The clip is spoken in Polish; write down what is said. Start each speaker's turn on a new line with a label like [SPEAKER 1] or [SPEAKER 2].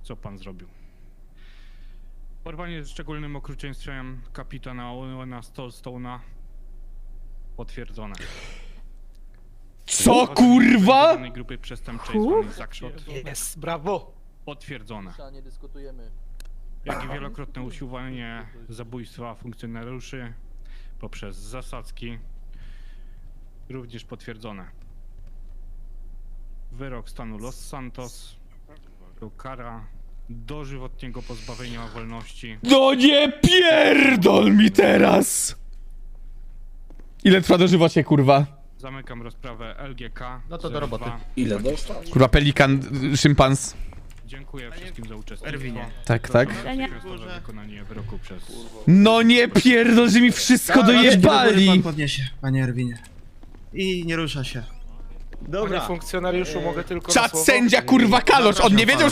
[SPEAKER 1] co pan zrobił. Porwanie z szczególnym okrucieństwem kapitana Owena Stone'a potwierdzone.
[SPEAKER 2] Co kurwa?
[SPEAKER 1] Grupy przestępczej zwanej Zakrzot
[SPEAKER 3] Jest, brawo!
[SPEAKER 1] potwierdzone.
[SPEAKER 4] Nie dyskutujemy.
[SPEAKER 1] Jak i wielokrotne usiłowanie zabójstwa funkcjonariuszy poprzez zasadzki również potwierdzone. Wyrok stanu Los Santos to kara dożywotniego pozbawienia wolności.
[SPEAKER 2] No nie pierdol mi teraz! Ile trwa dożywocie, kurwa?
[SPEAKER 1] Zamykam rozprawę LGK.
[SPEAKER 3] No to do roboty.
[SPEAKER 1] 02.
[SPEAKER 5] Ile dostał?
[SPEAKER 2] Kurwa, pelikan, szympans.
[SPEAKER 1] Dziękuję wszystkim za uczestnictwo.
[SPEAKER 3] Erwinie.
[SPEAKER 2] Tak, tak.
[SPEAKER 1] Natychmiastowe wykonanie wyroku przez...
[SPEAKER 2] No nie pierdol, że mi wszystko dojebali!
[SPEAKER 6] Pan podniesie, panie Erwinie. I nie rusza się.
[SPEAKER 3] Panie funkcjonariuszu, mogę tylko na
[SPEAKER 2] Czad
[SPEAKER 3] słowo?
[SPEAKER 2] sędzia, kurwa, Kalosz, on nie wiedział,